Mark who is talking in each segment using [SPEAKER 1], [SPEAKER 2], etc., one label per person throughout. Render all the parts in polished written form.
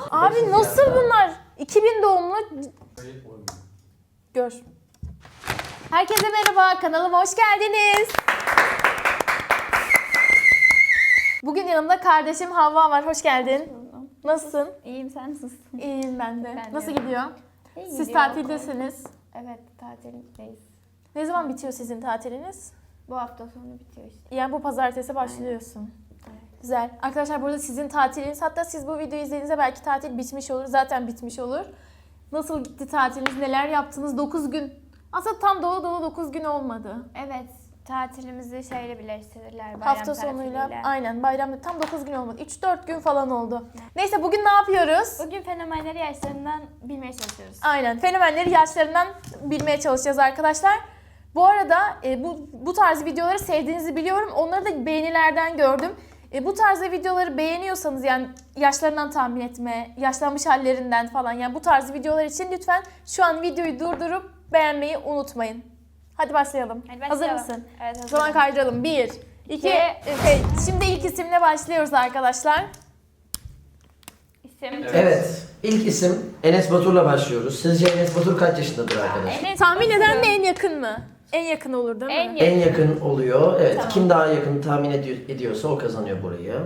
[SPEAKER 1] Abi nasıl bunlar? 2000 doğumlu. Gör. Herkese merhaba, kanalıma hoş geldiniz. Bugün yanımda kardeşim Havva var, hoş geldin. Nasılsın?
[SPEAKER 2] İyiyim, sen nasılsın?
[SPEAKER 1] İyiyim ben de.
[SPEAKER 2] Ben de.
[SPEAKER 1] Nasıl gidiyor?
[SPEAKER 2] İyi
[SPEAKER 1] Siz
[SPEAKER 2] gidiyor.
[SPEAKER 1] tatildesiniz.
[SPEAKER 2] Evet, tatildeyiz.
[SPEAKER 1] Ne zaman bitiyor sizin tatiliniz?
[SPEAKER 2] Bu hafta sonu bitiyor işte.
[SPEAKER 1] Yani bu pazartesi başlıyorsun.
[SPEAKER 2] Evet.
[SPEAKER 1] Güzel. Arkadaşlar burada sizin tatiliniz, hatta siz bu videoyu izlediğinizde belki tatil bitmiş olur. Zaten bitmiş olur. Nasıl gitti tatiliniz? Neler yaptınız? 9 gün. Aslında tam dolu 9 gün olmadı.
[SPEAKER 2] Evet, tatilimizi şeyle birleştirirler. Bayram
[SPEAKER 1] Hafta sonuyla.
[SPEAKER 2] tatiliyle.
[SPEAKER 1] Aynen bayramda tam 9 gün olmadı. 3-4 gün falan oldu. Neyse bugün ne yapıyoruz?
[SPEAKER 2] Bugün fenomenleri yaşlarından bilmeye çalışıyoruz.
[SPEAKER 1] Aynen. Fenomenleri yaşlarından bilmeye çalışacağız arkadaşlar. Bu arada bu tarz videoları sevdiğinizi biliyorum. Onları da beğenilerden gördüm. Bu tarzda videoları beğeniyorsanız, yani yaşlarından tahmin etme, yaşlanmış hallerinden falan, yani bu tarz videolar için lütfen şu an videoyu durdurup beğenmeyi unutmayın. Hadi başlayalım.
[SPEAKER 2] Hadi
[SPEAKER 1] Hazır
[SPEAKER 2] başlayalım.
[SPEAKER 1] mısın?
[SPEAKER 2] Evet,
[SPEAKER 1] O
[SPEAKER 2] hazırım.
[SPEAKER 1] zaman kaydıralım. 1, 2,
[SPEAKER 2] İki,
[SPEAKER 1] 3. Şimdi ilk isimle başlıyoruz arkadaşlar.
[SPEAKER 2] İsim.
[SPEAKER 3] Evet. İlk isim Enes Batur'la başlıyoruz. Sizce Enes Batur kaç yaşındadır arkadaşlar?
[SPEAKER 2] Enes
[SPEAKER 1] Tahmin eden
[SPEAKER 2] Batur'u-
[SPEAKER 1] mi, en yakın mı? En yakın olur değil mi?
[SPEAKER 2] En
[SPEAKER 3] En yakın oluyor. Evet.
[SPEAKER 1] Tamam.
[SPEAKER 3] Kim daha yakın tahmin ediyorsa o kazanıyor burayı.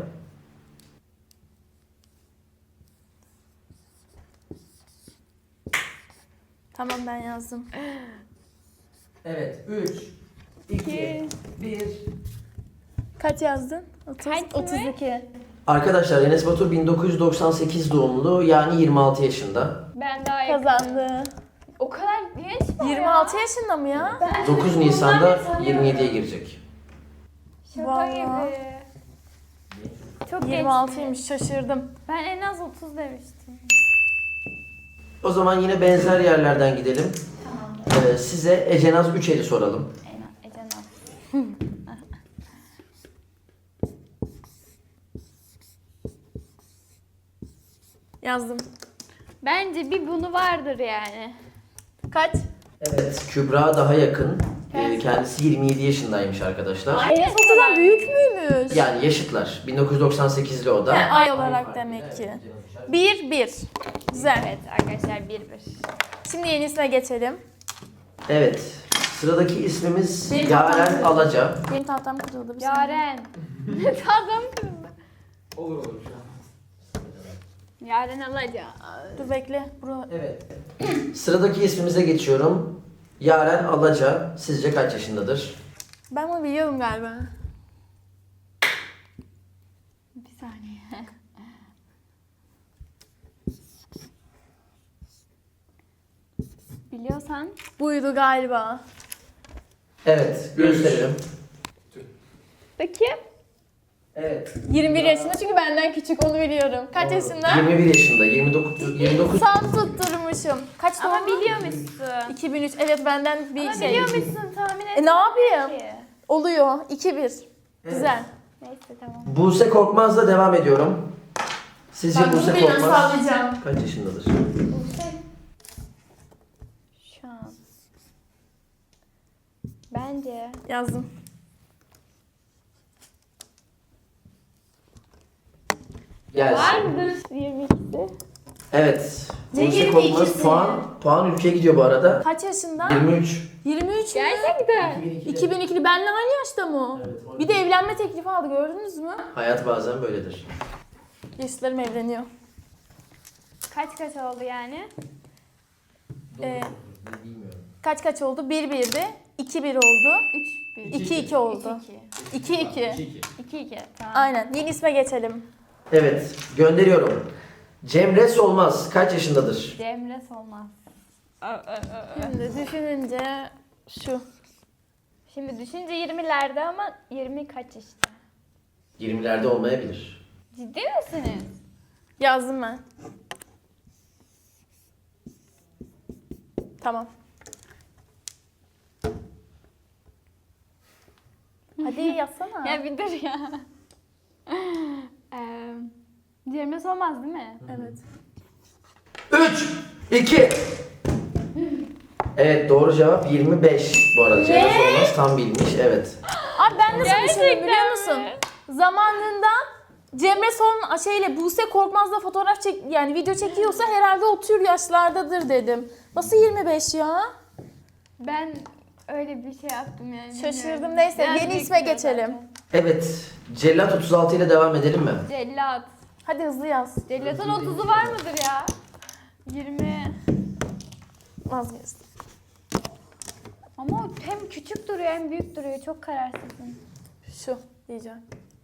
[SPEAKER 1] Tamam, ben yazdım.
[SPEAKER 3] Evet. 3, 2, 1.
[SPEAKER 1] Kaç yazdın? 30,
[SPEAKER 2] Kaç mı?
[SPEAKER 1] 32.
[SPEAKER 3] Arkadaşlar Enes Batur 1998 doğumlu, yani 26 yaşında.
[SPEAKER 2] Ben daha yakın.
[SPEAKER 1] Kazandı.
[SPEAKER 2] O kadar genç mi?
[SPEAKER 1] 26 yaşında mı ya?
[SPEAKER 3] 9 Nisan'da 27'ye girecek.
[SPEAKER 2] Şaka
[SPEAKER 1] Vallahi.
[SPEAKER 2] gibi. Çok
[SPEAKER 1] 26'ymış, şaşırdım.
[SPEAKER 2] Ben en az 30 demiştim.
[SPEAKER 3] O zaman yine benzer yerlerden gidelim. Size Ecenaz Üçel'i soralım.
[SPEAKER 2] Ece Naz.
[SPEAKER 1] Yazdım.
[SPEAKER 2] Bence bir bunu vardır yani.
[SPEAKER 1] Kaç?
[SPEAKER 3] Evet. Kübra daha yakın. Kendisi 27 yaşındaymış arkadaşlar.
[SPEAKER 1] Enes Batur'dan büyük müymüş?
[SPEAKER 3] Yani yaşıtlar. 1998'li o da.
[SPEAKER 1] He, ay olarak demek ki. 1-1. Güzel.
[SPEAKER 2] Evet arkadaşlar 1-1.
[SPEAKER 1] Şimdi yenisine geçelim.
[SPEAKER 3] Evet. Sıradaki ismimiz
[SPEAKER 1] Benim
[SPEAKER 3] Yaren
[SPEAKER 1] tahtam-
[SPEAKER 3] Alaca.
[SPEAKER 1] Benim tahtam kırıldı. Bir saniye.
[SPEAKER 2] Yaren. Tadım kırıldı.
[SPEAKER 4] Olur şu an.
[SPEAKER 2] Yaren Alaca.
[SPEAKER 1] Dur bekle. Bura...
[SPEAKER 3] Evet. Sıradaki ismimize geçiyorum. Yaren Alaca. Sizce kaç yaşındadır?
[SPEAKER 1] Ben bunu biliyorum galiba.
[SPEAKER 2] Bir saniye. Biliyorsan.
[SPEAKER 1] Buydu galiba.
[SPEAKER 3] Evet. Gösterelim.
[SPEAKER 2] Bakayım.
[SPEAKER 3] Evet.
[SPEAKER 1] 21 yaşında, çünkü benden küçük, onu biliyorum. Kaç yaşında?
[SPEAKER 3] 21 yaşında. 29.
[SPEAKER 1] Sağ tutturmuşum. Kaç
[SPEAKER 2] Ama
[SPEAKER 1] doğumlu?
[SPEAKER 2] biliyor musun?
[SPEAKER 1] 2003. Evet, benden bir
[SPEAKER 2] Ama
[SPEAKER 1] şey.
[SPEAKER 2] biliyor musun? Tahmin et.
[SPEAKER 1] Ne yapayım? Oluyor. 2-1. Güzel.
[SPEAKER 2] Neyse tamam.
[SPEAKER 3] Buse Korkmaz'la devam ediyorum. Sizce
[SPEAKER 1] Ben bunu
[SPEAKER 3] Buse
[SPEAKER 1] bilmem,
[SPEAKER 3] Korkmaz
[SPEAKER 1] sallayacağım.
[SPEAKER 3] kaç yaşındadır?
[SPEAKER 2] Şu an. Bence.
[SPEAKER 1] Yazdım.
[SPEAKER 3] Gelsin.
[SPEAKER 2] Vardır 22'si.
[SPEAKER 3] Evet.
[SPEAKER 1] Ne
[SPEAKER 3] Buse
[SPEAKER 1] 22'si?
[SPEAKER 3] Korkmaz puan ülkeye gidiyor bu arada.
[SPEAKER 1] Kaç yaşında?
[SPEAKER 3] 23.
[SPEAKER 1] 23 mü?
[SPEAKER 2] Gerçekten.
[SPEAKER 1] 2002'li. Benle aynı yaşta mı o?
[SPEAKER 3] Evet,
[SPEAKER 1] Bir de evlenme teklifi aldı, gördünüz mü?
[SPEAKER 3] Hayat bazen böyledir.
[SPEAKER 1] Yaşlarım evleniyor.
[SPEAKER 2] Kaç oldu yani?
[SPEAKER 3] Bilmiyorum.
[SPEAKER 1] Kaç oldu? 1-1'di. 2-1 oldu.
[SPEAKER 2] 3-1.
[SPEAKER 1] 2-2 oldu. 2-2.
[SPEAKER 2] 2-2. Tamam.
[SPEAKER 1] Aynen. Yeni isme geçelim.
[SPEAKER 3] Evet, gönderiyorum. Cemre Solmaz kaç yaşındadır?
[SPEAKER 2] Cemre Solmaz.
[SPEAKER 1] Şimdi düşününce şu.
[SPEAKER 2] Şimdi düşünce 20'lerde ama 20 kaç işte?
[SPEAKER 3] 20'lerde olmayabilir.
[SPEAKER 2] Ciddi misiniz?
[SPEAKER 1] Yazdım ben. Tamam. Hadi yazsana.
[SPEAKER 2] Ya bir dur ya. Cemre Solmaz değil mi?
[SPEAKER 1] Evet.
[SPEAKER 3] 3, 2. Evet, doğru cevap 25 bu arada. Cemre Solmaz tam bilmiş, evet.
[SPEAKER 1] Abi ben nasıl düşündüm biliyor
[SPEAKER 2] Gerçekten
[SPEAKER 1] musun?
[SPEAKER 2] mi?
[SPEAKER 1] Zamanında Cemre Son şeyle Buse Korkmaz'la fotoğraf yani video çekiyorsa herhalde o tür yaşlardadır dedim. Nasıl 25 ya?
[SPEAKER 2] Ben öyle bir şey yaptım yani.
[SPEAKER 1] Şaşırdım.
[SPEAKER 2] bilmiyorum.
[SPEAKER 1] Neyse,
[SPEAKER 2] Biraz
[SPEAKER 1] yeni
[SPEAKER 2] büyük
[SPEAKER 1] isme
[SPEAKER 2] diyor
[SPEAKER 1] geçelim.
[SPEAKER 2] zaten.
[SPEAKER 3] Evet. Cellat 36 ile devam edelim mi?
[SPEAKER 2] Cellat.
[SPEAKER 1] Hadi hızlı yaz.
[SPEAKER 2] Cellatın 30'u var mıdır ya? 20.
[SPEAKER 1] Vazgeçtim.
[SPEAKER 2] Ama o hem küçük duruyor hem büyük duruyor. Çok kararsızım.
[SPEAKER 1] Şu diyeceğim.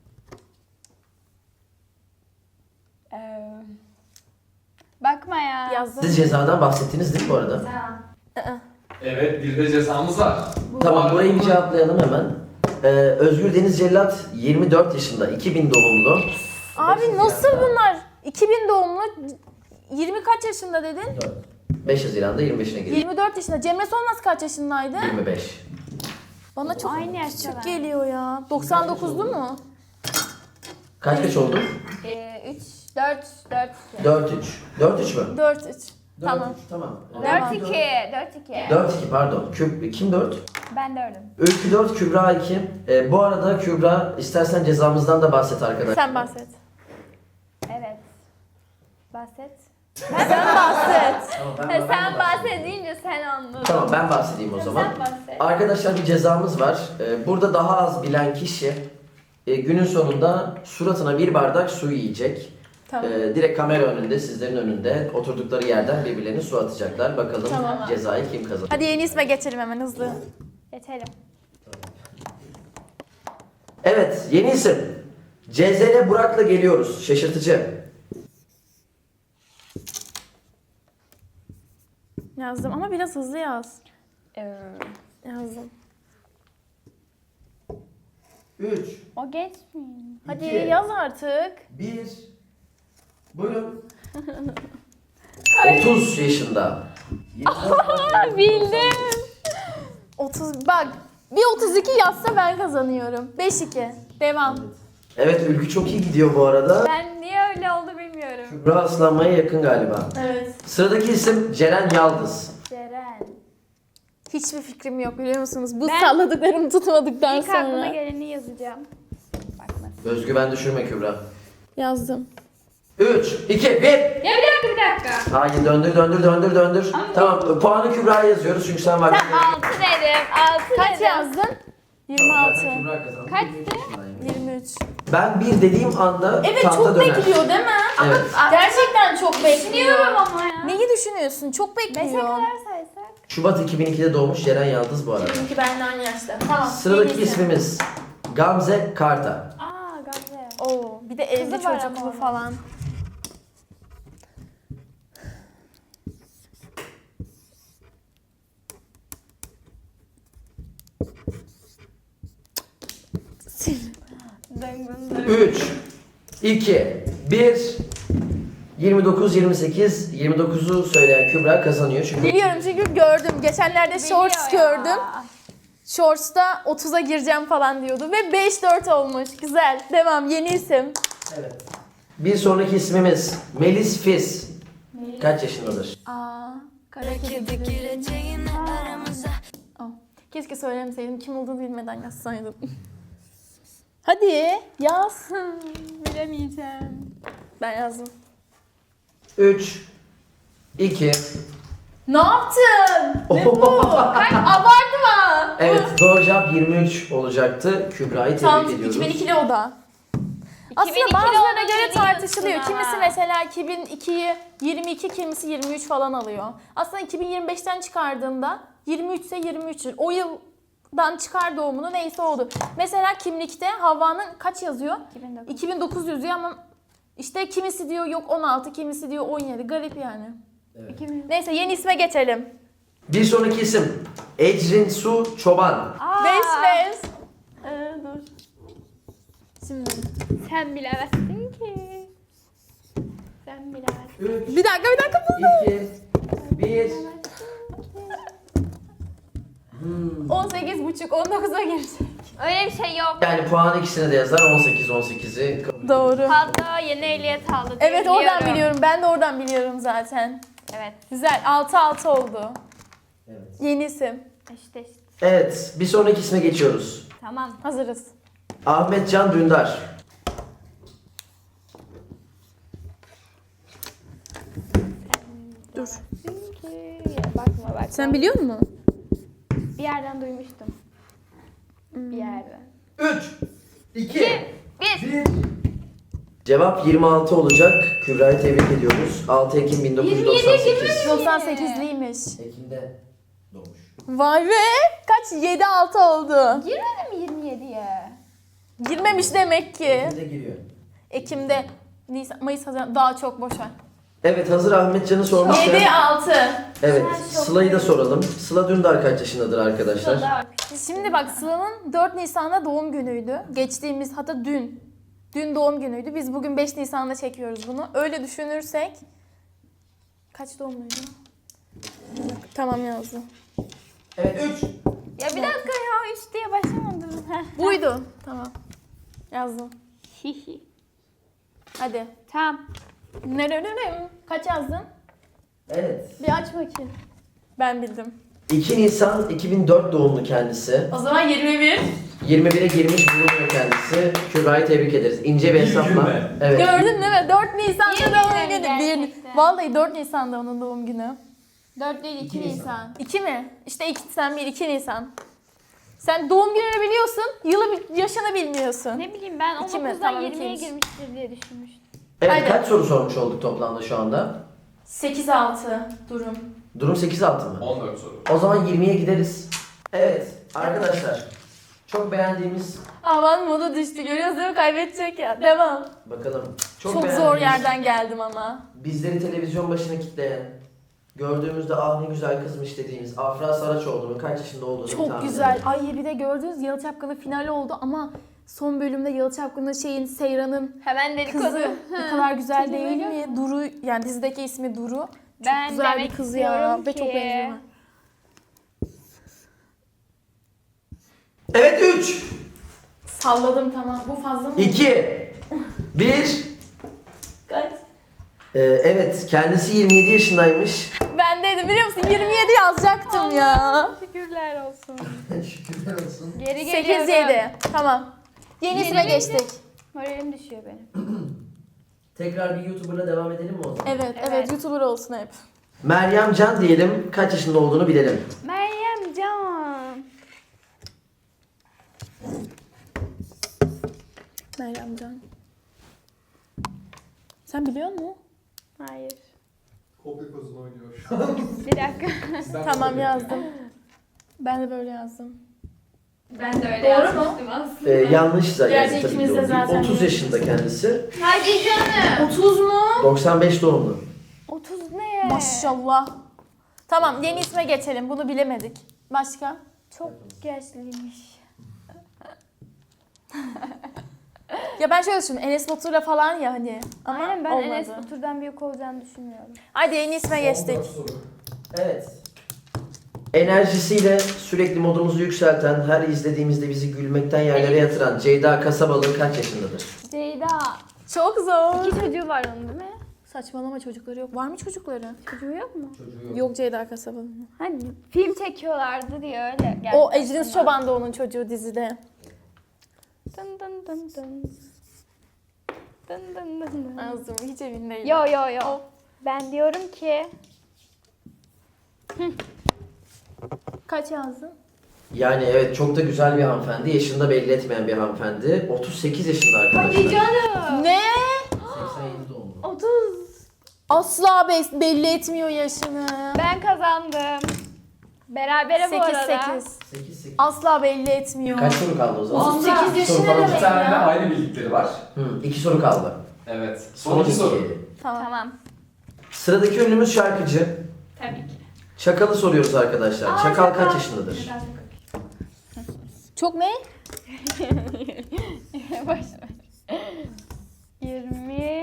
[SPEAKER 2] Bakma ya.
[SPEAKER 1] Yazdım.
[SPEAKER 3] Siz cezadan bahsettiniz değil mi bu arada?
[SPEAKER 4] Evet, bir de cezamız var.
[SPEAKER 3] Tamam, burayı bir cevaplayalım hemen. Özgür Deniz Cellat 24 yaşında, 2000 doğumlu.
[SPEAKER 1] Abi nasıl bunlar? 2000 doğumlu 20 kaç yaşında dedin?
[SPEAKER 3] 5 Haziran'da 25'ine giriyor.
[SPEAKER 1] 24 yaşında. Cemre Solmaz kaç yaşındaydı?
[SPEAKER 3] 25.
[SPEAKER 1] Bana çok
[SPEAKER 2] Aynı yaşta
[SPEAKER 1] küçük
[SPEAKER 2] ben.
[SPEAKER 1] geliyor ya. 99'lu mu?
[SPEAKER 3] Kaç oldu?
[SPEAKER 2] 3, 4, 4,
[SPEAKER 3] 4-3. 4-3 mü?
[SPEAKER 1] 4-3. Tamam.
[SPEAKER 3] Tamam.
[SPEAKER 2] 4, 2, 4, 2.
[SPEAKER 3] 4-2 pardon. Kim 4?
[SPEAKER 2] Ben 4'üm.
[SPEAKER 3] Öykü 4, Kübra 2. Bu arada Kübra istersen cezamızdan da bahset arkadaşlar.
[SPEAKER 1] Sen bahset.
[SPEAKER 2] Evet. Bahset.
[SPEAKER 1] Sen bahset.
[SPEAKER 3] Tamam,
[SPEAKER 2] Sen bahsedince sen anladın.
[SPEAKER 3] Tamam, ben bahsedeyim o zaman.
[SPEAKER 2] Sen bahset.
[SPEAKER 3] Arkadaşlar, bir cezamız var. Burada daha az bilen kişi günün sonunda suratına bir bardak su yiyecek.
[SPEAKER 1] Tamam.
[SPEAKER 3] Direkt kamera önünde, sizlerin önünde oturdukları yerden birbirlerine su atacaklar. Bakalım
[SPEAKER 1] Tamam.
[SPEAKER 3] cezayı kim kazanır.
[SPEAKER 1] Hadi yeni isme geçelim hemen hızlı.
[SPEAKER 2] Geçelim.
[SPEAKER 3] Evet, yeni isim. CZN Burak'la geliyoruz. Şaşırtıcı.
[SPEAKER 1] Yazdım ama biraz hızlı yaz.
[SPEAKER 2] Ee,
[SPEAKER 1] Yazdım.
[SPEAKER 3] 3,
[SPEAKER 2] O genç mi?
[SPEAKER 1] Hadi
[SPEAKER 3] 2,
[SPEAKER 1] yaz artık.
[SPEAKER 3] 1. Buyurun. 30 yaşında.
[SPEAKER 1] Bildim. 30 bak bir 32 yazsa ben kazanıyorum. 5-2. Devam.
[SPEAKER 3] Evet, Ülkü çok iyi gidiyor bu arada.
[SPEAKER 2] Ben niye öyle oldu bilmiyorum.
[SPEAKER 3] Kübra ıslanmaya yakın galiba.
[SPEAKER 1] Evet.
[SPEAKER 3] Sıradaki isim Ceren Yaldız.
[SPEAKER 2] Ceren.
[SPEAKER 1] Hiçbir fikrim yok biliyor musunuz? Bu
[SPEAKER 2] Ben-
[SPEAKER 1] salladıklarımı tutmadıktan
[SPEAKER 2] İlk aklıma
[SPEAKER 1] sonra.
[SPEAKER 2] geleni yazacağım. Bakma.
[SPEAKER 3] Özgüven düşürme Kübra.
[SPEAKER 1] Yazdım.
[SPEAKER 3] 3, 2, 1.
[SPEAKER 2] Ya bir dakika.
[SPEAKER 3] Hayır, döndür. Tamam, puanı Kübra'ya yazıyoruz çünkü sen var.
[SPEAKER 2] Sen 6 dedim. 6
[SPEAKER 1] Kaç
[SPEAKER 2] dedim.
[SPEAKER 1] yazdın? 26.
[SPEAKER 3] Kübra kazandı.
[SPEAKER 2] Kaçtı?
[SPEAKER 1] 23.
[SPEAKER 3] Ben bir dediğim anda
[SPEAKER 1] Evet
[SPEAKER 3] tahta
[SPEAKER 1] çok
[SPEAKER 3] döner.
[SPEAKER 1] bekliyor değil mi?
[SPEAKER 3] Evet.
[SPEAKER 1] Gerçekten çok bekliyor.
[SPEAKER 2] Düşünüyorum ama ya.
[SPEAKER 1] Neyi düşünüyorsun? Çok
[SPEAKER 2] 5'e
[SPEAKER 1] bekliyor.
[SPEAKER 2] kadar saysak.
[SPEAKER 3] Şubat 2002'de doğmuş Ceren Yaldız bu arada.
[SPEAKER 1] Çünkü benden aynı yaşta. Tamam.
[SPEAKER 3] Sıradaki
[SPEAKER 1] yeni isim.
[SPEAKER 3] ismimiz Gamze Karta.
[SPEAKER 2] Aa Gamze.
[SPEAKER 1] Oo, bir de evli
[SPEAKER 2] Kızı var
[SPEAKER 1] çocuklu
[SPEAKER 2] ama
[SPEAKER 1] falan.
[SPEAKER 2] Döngün döngün.
[SPEAKER 3] 3, 2, 1. 29, 28, 29'u söyleyen Kübra kazanıyor çünkü
[SPEAKER 1] Biliyorum çünkü gördüm. Geçenlerde shorts
[SPEAKER 2] Biliyor ya.
[SPEAKER 1] gördüm. Shorts'ta 30'a gireceğim falan diyordu ve 5-4 olmuş. Güzel. Devam. Yeni isim.
[SPEAKER 3] Evet. Bir sonraki ismimiz Melis Fiz. Kaç yaşındadır?
[SPEAKER 1] Aa, kara kedi. Keşke söylemeseydim. Kim olduğunu bilmeden yazsaydım. Hadi yaz.
[SPEAKER 2] Bilemeyeceğim.
[SPEAKER 1] Ben yazdım.
[SPEAKER 3] 3, 2.
[SPEAKER 1] Ne yaptın? Ne bu? Abartma.
[SPEAKER 3] Evet, doğru cevap 23 olacaktı. Kübra'yı tebrik
[SPEAKER 1] Tam
[SPEAKER 3] ediyoruz.
[SPEAKER 1] 2002'li o da. Aslında
[SPEAKER 2] 2002'li
[SPEAKER 1] bazılarına
[SPEAKER 2] olduğunu
[SPEAKER 1] göre tartışılıyor.
[SPEAKER 2] biliyorsun
[SPEAKER 1] Kimisi
[SPEAKER 2] ama.
[SPEAKER 1] mesela 2002'yi 22, kimisi 23 falan alıyor. Aslında 2025'ten çıkardığında 23 ise 23'tür. O yıldan çıkar doğumunu neyse oldu. Mesela kimlikte Havva'nın kaç yazıyor?
[SPEAKER 2] 2009.
[SPEAKER 1] 2009 yazıyor ama işte kimisi diyor yok 16, kimisi diyor 17. Garip yani.
[SPEAKER 2] 2000.
[SPEAKER 1] Neyse yeni isme geçelim.
[SPEAKER 3] Bir sonraki isim Ecrin Su Çoban.
[SPEAKER 2] Aa,
[SPEAKER 1] 5-5. Dur. Şimdi.
[SPEAKER 2] Sen bilemezsin ki. Sen bilemezsin.
[SPEAKER 3] 3,
[SPEAKER 1] Bir dakika.
[SPEAKER 3] 2, 1.
[SPEAKER 1] 18,5 19'a girecek.
[SPEAKER 2] Öyle bir şey yok.
[SPEAKER 3] Yani puanı ikisine de yazar. 18'i.
[SPEAKER 1] Doğru.
[SPEAKER 2] Hatta yeni ehliyet aldı. diye
[SPEAKER 1] Evet oradan biliyorum. Ben de oradan biliyorum zaten.
[SPEAKER 2] Evet.
[SPEAKER 1] Güzel. 6-6 oldu.
[SPEAKER 3] Evet.
[SPEAKER 1] Yeni isim.
[SPEAKER 2] İşte.
[SPEAKER 3] Evet, bir sonraki isme geçiyoruz.
[SPEAKER 2] Tamam.
[SPEAKER 1] Hazırız.
[SPEAKER 3] Ahmet Can Dündar.
[SPEAKER 1] Dur.
[SPEAKER 2] Çünkü bakma bak.
[SPEAKER 1] Sen biliyor musun?
[SPEAKER 2] Bir yerden duymuştum. Bir yerden.
[SPEAKER 3] 3, 2,
[SPEAKER 2] 1.
[SPEAKER 3] 1. Cevap 26 olacak. Kübra'yı tebrik ediyoruz. 6 Ekim 1998.
[SPEAKER 1] 98'liymiş.
[SPEAKER 3] Ekim'de doğmuş.
[SPEAKER 1] Vay be! Kaç? 7-6 oldu.
[SPEAKER 2] Girmedi mi 27'ye?
[SPEAKER 1] Girmemiş demek ki.
[SPEAKER 3] Ekim'de giriyor.
[SPEAKER 1] Ekim'de, Nisan, Mayıs, Haziran daha çok boş ver.
[SPEAKER 3] Evet, hazır Ahmetcan'ı sormuşken.
[SPEAKER 1] 7-6.
[SPEAKER 3] Evet,
[SPEAKER 2] Ben çok
[SPEAKER 3] Sıla'yı da soralım. Sıla Dündar kaç yaşındadır arkadaşlar?
[SPEAKER 1] Şimdi bak Sıla'nın 4 Nisan'da doğum günüydü. Geçtiğimiz hatta dün. Dün doğum günüydü. Biz bugün 5 Nisan'da çekiyoruz bunu. Öyle düşünürsek kaç doğumluydu? Tamam yazdım.
[SPEAKER 3] Evet, 3.
[SPEAKER 2] Ya bir dakika ya 3 diye başlamadım.
[SPEAKER 1] Buydu. Tamam. Yazdım.
[SPEAKER 2] Hihi.
[SPEAKER 1] Hadi.
[SPEAKER 2] Tamam.
[SPEAKER 1] Nerelere? Kaç yazdın?
[SPEAKER 3] Evet.
[SPEAKER 1] Bir aç bakayım. Ben bildim.
[SPEAKER 3] 2 Nisan 2004 doğumlu kendisi.
[SPEAKER 1] O zaman 21.
[SPEAKER 3] 21'e girmiş bulunuyor kendisi. Kübra'yı tebrik ederiz. İnce bir
[SPEAKER 4] Bir
[SPEAKER 3] hesapla.
[SPEAKER 4] gün be.
[SPEAKER 3] Evet.
[SPEAKER 1] Gördün değil mi? 4 Nisan'da
[SPEAKER 2] Yemin
[SPEAKER 1] doğum
[SPEAKER 2] ederim
[SPEAKER 1] günü.
[SPEAKER 2] gerçekten.
[SPEAKER 1] Vallahi 4 Nisan'da onun doğum günü.
[SPEAKER 2] 4 değil 2
[SPEAKER 3] 2
[SPEAKER 2] Nisan.
[SPEAKER 1] 2 mi? İşte 2 sen 1, 2 Nisan. Sen doğum gününü biliyorsun, yaşını bilmiyorsun.
[SPEAKER 2] Ne bileyim ben
[SPEAKER 1] İki mi?
[SPEAKER 2] 19'dan
[SPEAKER 1] Tamam,
[SPEAKER 2] 20'ye
[SPEAKER 1] ikiymiş.
[SPEAKER 2] girmiştir diye düşünmüştüm.
[SPEAKER 3] Evet,
[SPEAKER 1] Haydi.
[SPEAKER 3] kaç soru sormuş olduk toplamda şu anda?
[SPEAKER 1] 8-6 durum.
[SPEAKER 3] Durum 8-6 mı?
[SPEAKER 4] 14 soru.
[SPEAKER 3] O zaman 20'ye gideriz. Evet arkadaşlar. Çok beğendiğimiz,
[SPEAKER 1] Aman modu düştü, görüyoruz değil mi? Kaybedecek ya. Devam.
[SPEAKER 3] bakalım.
[SPEAKER 1] Çok zor
[SPEAKER 3] beğendiğimiz,
[SPEAKER 1] yerden geldim ama.
[SPEAKER 3] bizleri televizyon başına kitleyen, gördüğümüzde ah ne güzel kızmış dediğimiz Afra Saraçoğlu'nun kaç yaşında olduğunu
[SPEAKER 1] Çok
[SPEAKER 3] tahmin
[SPEAKER 1] güzel.
[SPEAKER 3] edin.
[SPEAKER 1] Ay bir de gördünüz Yalı Çapkını finali oldu ama son bölümde Yalı Çapkını Seyran'ın
[SPEAKER 2] Hemen dedikodu.
[SPEAKER 1] kızı ne kadar güzel
[SPEAKER 2] Seni
[SPEAKER 1] değil
[SPEAKER 2] biliyor
[SPEAKER 1] mi? Duru, yani dizideki ismi Duru. Çok
[SPEAKER 2] Ben
[SPEAKER 1] güzel bir
[SPEAKER 2] demek
[SPEAKER 1] kız ya
[SPEAKER 2] istiyorum
[SPEAKER 1] ve çok
[SPEAKER 2] ki-
[SPEAKER 1] benziyor.
[SPEAKER 3] Evet 3,
[SPEAKER 1] Salladım tamam. Bu fazla mı?
[SPEAKER 3] 2, 1.
[SPEAKER 1] Kaç?
[SPEAKER 3] Evet kendisi 27 yaşındaymış.
[SPEAKER 1] Ben dedim biliyor musun? 27 yazacaktım ya.
[SPEAKER 2] Şükürler olsun.
[SPEAKER 3] Şükürler olsun.
[SPEAKER 2] Geri geliyorum.
[SPEAKER 1] 8-7. Tamam. Yeni isme
[SPEAKER 2] Yeni
[SPEAKER 1] geçtik.
[SPEAKER 2] Moralim düşüyor benim.
[SPEAKER 3] Tekrar bir YouTuber'la devam edelim mi o zaman?
[SPEAKER 1] Evet, evet,
[SPEAKER 2] Evet.
[SPEAKER 1] YouTuber olsun hep.
[SPEAKER 3] Meryem Can diyelim, kaç yaşında olduğunu bilelim.
[SPEAKER 2] Meryem Can.
[SPEAKER 1] Meryem Can. Sen biliyor musun?
[SPEAKER 2] Hayır.
[SPEAKER 4] Kopya kozunu oynuyor şu an.
[SPEAKER 2] Bir dakika.
[SPEAKER 4] Sizden
[SPEAKER 1] Tamam
[SPEAKER 4] kopya.
[SPEAKER 1] yazdım. Ben de böyle yazdım.
[SPEAKER 2] Ben de öyle
[SPEAKER 1] Doğru
[SPEAKER 2] yazmıştım aslında.
[SPEAKER 3] Yanlış da
[SPEAKER 1] Gerçi
[SPEAKER 3] yazdı tabii
[SPEAKER 1] ikimiz
[SPEAKER 3] ki
[SPEAKER 1] de
[SPEAKER 3] o değil.
[SPEAKER 1] zaten
[SPEAKER 3] 30 yaşında kendisi.
[SPEAKER 2] Hadi canım.
[SPEAKER 1] 30 mu?
[SPEAKER 3] 95 doğumlu.
[SPEAKER 2] 30 ne?
[SPEAKER 1] Maşallah. Tamam yeni isme geçelim. Bunu bilemedik. Başka?
[SPEAKER 2] Çok yaşlıymış.
[SPEAKER 1] Ya ben şöyle düşündüm. Enes Batur'la falan ya hani. Ama
[SPEAKER 2] Aynen ben
[SPEAKER 1] olmadı.
[SPEAKER 2] Enes Batur'dan büyük olacağını düşünmüyorum.
[SPEAKER 1] Hadi yeni isme geçtik.
[SPEAKER 4] 14 soru.
[SPEAKER 3] Evet. Enerjisiyle sürekli modumuzu yükselten, her izlediğimizde bizi gülmekten yerlere yatıran Ceyda Kasabalı kaç yaşındadır?
[SPEAKER 2] Ceyda.
[SPEAKER 1] Çok zor.
[SPEAKER 2] 2 çocuğu var onun değil mi?
[SPEAKER 1] Saçmalama çocukları yok. Var mı çocukları?
[SPEAKER 2] Çocuğu yok mu?
[SPEAKER 3] Çocuğu
[SPEAKER 1] Yok Ceyda Kasabalı'nın.
[SPEAKER 2] Hani film çekiyorlardı diye öyle. geldi
[SPEAKER 1] O Ecrin
[SPEAKER 2] aklıma.
[SPEAKER 1] Çoban da onun çocuğu dizide.
[SPEAKER 2] Dın dın dın dın. Dın dın dın dın.
[SPEAKER 1] Yazdım hiç emin değilim.
[SPEAKER 2] Yo yo yo. Ben diyorum ki
[SPEAKER 1] Kaç yazdın?
[SPEAKER 3] Yani evet çok da güzel bir hanımefendi. Yaşını da belli etmeyen bir hanımefendi. 38 yaşında arkadaşlar.
[SPEAKER 2] hadi canım.
[SPEAKER 1] Ne?
[SPEAKER 3] 87 doğumlu.
[SPEAKER 2] 30.
[SPEAKER 1] Asla belli etmiyor yaşını.
[SPEAKER 2] Ben kazandım. Berabere bu
[SPEAKER 1] 8-8.
[SPEAKER 2] arada.
[SPEAKER 3] 8-8.
[SPEAKER 1] Asla belli etmiyor.
[SPEAKER 3] Kaç soru kaldı o zaman?
[SPEAKER 1] 38
[SPEAKER 3] İki soru
[SPEAKER 1] yaşı ne
[SPEAKER 3] falan.
[SPEAKER 4] Bir
[SPEAKER 1] demek
[SPEAKER 4] tane de
[SPEAKER 1] ya?
[SPEAKER 4] aynı bildikleri var.
[SPEAKER 3] 2 soru kaldı.
[SPEAKER 4] Evet. Son iki soru.
[SPEAKER 1] Tamam.
[SPEAKER 2] Tamam.
[SPEAKER 3] Sıradaki ünlümüz şarkıcı.
[SPEAKER 2] Tabii ki.
[SPEAKER 3] Çakal'ı soruyoruz arkadaşlar.
[SPEAKER 2] Aa,
[SPEAKER 3] Çakal
[SPEAKER 2] Çakal.
[SPEAKER 3] kaç yaşındadır?
[SPEAKER 1] Çok ne?
[SPEAKER 2] Boş ver. 20.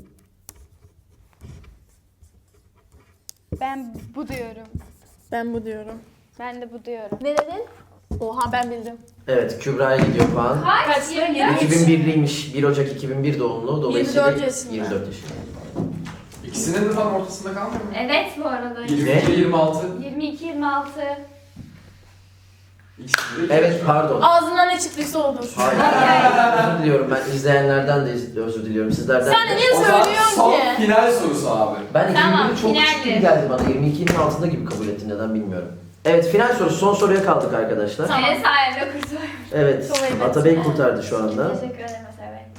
[SPEAKER 2] Ben bu diyorum.
[SPEAKER 1] Ben bu diyorum.
[SPEAKER 2] Ben de bu diyorum.
[SPEAKER 1] Ne dedin? Oha ben bildim.
[SPEAKER 3] Evet Kübra'ya gidiyor puan.
[SPEAKER 1] Kaçtı?
[SPEAKER 3] 2001'liymiş. 1 Ocak 2001 doğumlu. Dolayısıyla
[SPEAKER 1] 24 yaşında.
[SPEAKER 3] 24 yaşında.
[SPEAKER 4] İkisinin de tam ortasında kalmıyor mu?
[SPEAKER 2] Evet bu arada.
[SPEAKER 4] 22 26.
[SPEAKER 2] 22 26.
[SPEAKER 4] İkisi de
[SPEAKER 3] Evet pardon.
[SPEAKER 1] Ağzından ne çıktıysa odur.
[SPEAKER 3] Hayır. Özür diliyorum ben izleyenlerden de özür diliyorum. Sizlerden
[SPEAKER 1] Sen de
[SPEAKER 3] de.
[SPEAKER 1] niye
[SPEAKER 4] O zaman
[SPEAKER 1] söylüyorsun
[SPEAKER 4] son
[SPEAKER 1] ki?
[SPEAKER 4] final sorusu abi.
[SPEAKER 3] Ben
[SPEAKER 2] Tamam,
[SPEAKER 3] 21'i çok küçük gibi
[SPEAKER 2] finaldi.
[SPEAKER 3] geldi bana. 22'nin altında gibi kabul ettim, neden bilmiyorum. Evet, final sorusu. Son soruya kaldık arkadaşlar.
[SPEAKER 1] Tamam.
[SPEAKER 2] Senin sayende kurtuldum.
[SPEAKER 3] Evet,
[SPEAKER 1] Çok evet.
[SPEAKER 3] Atabey kurtardı şu anda.
[SPEAKER 2] Teşekkür ederim Eser Bey.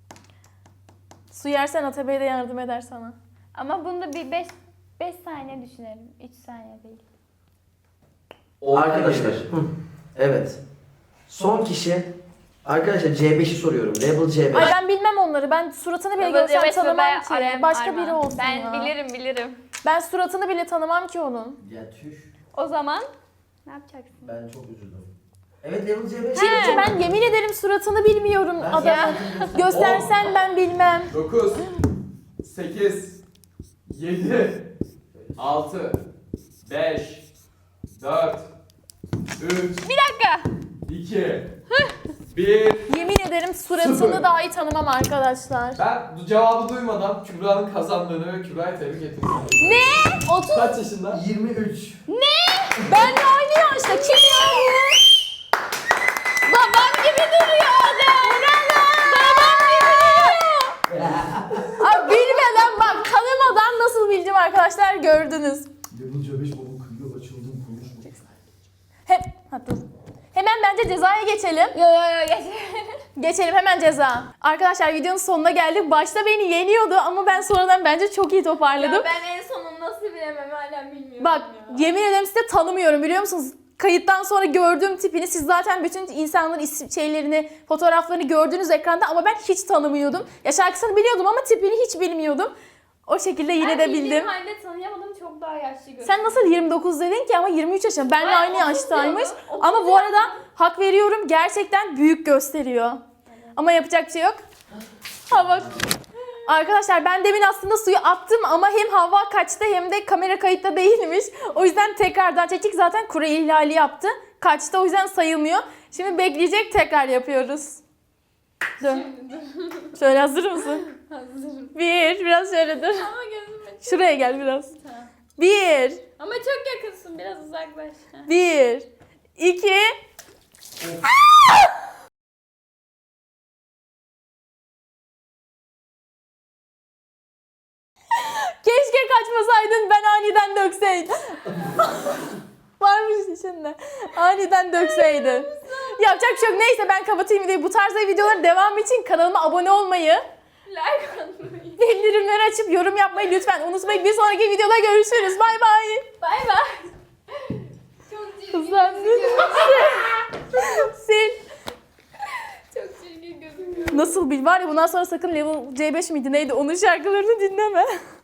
[SPEAKER 1] Su yersen Atabey de yardım eder sana.
[SPEAKER 2] Ama bunda bir 5 saniye düşünelim. 3 saniye değil.
[SPEAKER 3] Arkadaşlar, evet. Son kişi, arkadaşlar C5'i soruyorum. Level C5.
[SPEAKER 1] Ay ben bilmem onları. Ben suratını bile görsem tanımam ki. Başka biri olsun
[SPEAKER 2] Ben
[SPEAKER 1] ya.
[SPEAKER 2] bilirim.
[SPEAKER 1] Ben suratını bile tanımam ki onun.
[SPEAKER 3] Ya tüh,
[SPEAKER 2] O zaman ne yapacaksın?
[SPEAKER 3] ben çok üzüldüm. Evet, Level C5.
[SPEAKER 1] Çünkü ben yemin ederim suratını bilmiyorum adamın. Göstersen ben bilmem.
[SPEAKER 4] 9, 8, 7, 6, 5, 4, 3,
[SPEAKER 2] Bir dakika.
[SPEAKER 4] 2, 1.
[SPEAKER 1] Yemin ederim suratını
[SPEAKER 4] Sıfır.
[SPEAKER 1] dahi tanımam arkadaşlar.
[SPEAKER 4] Ben bu cevabı duymadan Kübra'nın kazandığını ve Kübra'yı tebrik ettim.
[SPEAKER 1] Ne? 30.
[SPEAKER 4] Kaç yaşında?
[SPEAKER 3] 23.
[SPEAKER 1] Benle aynı yaşta. Kim yani?
[SPEAKER 2] Babam gibi duruyor adam. Babam gibi duruyor.
[SPEAKER 1] Abi bilmeden bak tanımadan nasıl bildim arkadaşlar gördünüz.
[SPEAKER 5] Level C5 babam kıyıyor, açıldım, konuşma.
[SPEAKER 1] Dur. Hemen bence cezaya geçelim.
[SPEAKER 2] Yo geç.
[SPEAKER 1] Geçelim hemen ceza. Arkadaşlar videonun sonuna geldik. Başta beni yeniyordu ama ben sonradan bence çok iyi toparladım.
[SPEAKER 2] ben en sonunu nasıl bilemem hala bilmiyorum.
[SPEAKER 1] Bak yemin ederim size tanımıyorum biliyor musunuz? Kayıttan sonra gördüğüm tipini siz zaten bütün insanların şeylerini, fotoğraflarını gördünüz ekranda ama ben hiç tanımıyordum. Ya şarkısını biliyordum ama tipini hiç bilmiyordum. O şekilde yine de bildim.
[SPEAKER 2] halde tanıyamadım, çok daha yaşlı görünüyor.
[SPEAKER 1] Sen nasıl 29 dedin ki ama 23 yaşında. Benle aynı
[SPEAKER 2] 30
[SPEAKER 1] yaştaymış.
[SPEAKER 2] diyordu, 30
[SPEAKER 1] Ama bu arada hak veriyorum gerçekten büyük gösteriyor. Ama yapacak bir şey yok. Hava. Arkadaşlar ben demin aslında suyu attım ama hem hava kaçtı hem de kamera kayıtta değilmiş. O yüzden tekrardan çektik. Zaten kure ihlali yaptı. Kaçtı o yüzden sayılmıyor. Şimdi bekleyecek, tekrar yapıyoruz. Dön. Şöyle hazır mısın?
[SPEAKER 2] Hazırım.
[SPEAKER 1] Biraz şöyle dur.
[SPEAKER 2] Ama gözüm açık.
[SPEAKER 1] Şuraya gel biraz.
[SPEAKER 2] Tamam.
[SPEAKER 1] 1,
[SPEAKER 2] Ama çok yakınsın, biraz uzaklaş.
[SPEAKER 1] 1, 2. Keşke kaçmasaydın, ben aniden dökseydim. Varmış içinde. Aniden dökseydin. Yapacak bir şey yok. Neyse ben kapatayım videoyu. Bu tarz videoların devamı için kanalıma abone olmayı,
[SPEAKER 2] Like atmayı.
[SPEAKER 1] bildirimleri açıp yorum yapmayı lütfen unutmayın. Bir sonraki videoda görüşürüz. Bay bay.
[SPEAKER 2] Bay bay. Çok çirkin
[SPEAKER 1] Hızlandın.
[SPEAKER 2] gözüküyor.
[SPEAKER 1] Sil.
[SPEAKER 2] Çok çirkin gözüküyor.
[SPEAKER 1] Nasıl bil? Var ya bundan sonra sakın Level C5 miydi neydi onun şarkılarını dinleme.